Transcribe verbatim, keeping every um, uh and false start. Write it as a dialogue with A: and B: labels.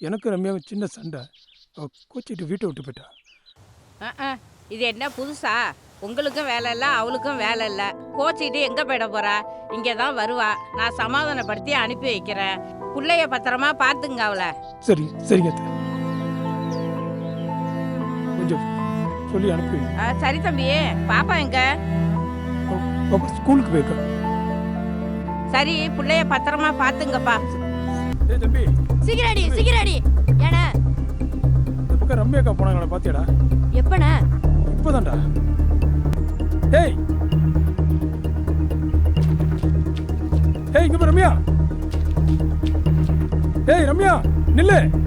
A: எனக்கு ரம்யாவுக்கு சின்ன சண்டை. அவ கோச்சிட்டு வீட்டை விட்டு போயிட்டா.
B: அஹ், இது என்ன புதுசா? உங்களுக்கும் வேலை இல்லை, அவளுக்கும் வேலை இல்லை. கோச்சிட்டு எங்கே போயிட போறா? இங்கே தான் வருவா. நான் சமாதானப்படுத்தி அனுப்பி வைக்கிறேன். பிள்ளைய பத்திரமா பார்த்துங்க அவளை.
A: சரி சரிங்க அத்தை. கொஞ்சம் சொல்லி அனுப்பி வைங்க.
B: ஆ, சரி தம்பி. பாப்பா எங்க?
A: அவ- அவ ஸ்கூலுக்கு போயிருக்கா.
B: சரி, பிள்ளைய பத்திரமா பார்த்துங்கப்பா.
A: ஏய் தம்பி,
C: சீக்கிரடி சீக்கிரடி. ஏண்ணே
A: இந்த பக்கம் ரம்யாக்கா போனாங்களா பாத்தியாடா?
C: எப்பண்ணே?
A: இப்போதான்டா. ஏய் ஏய் இங்க பா ரம்யா. ஏய் ரம்யா நில்லு.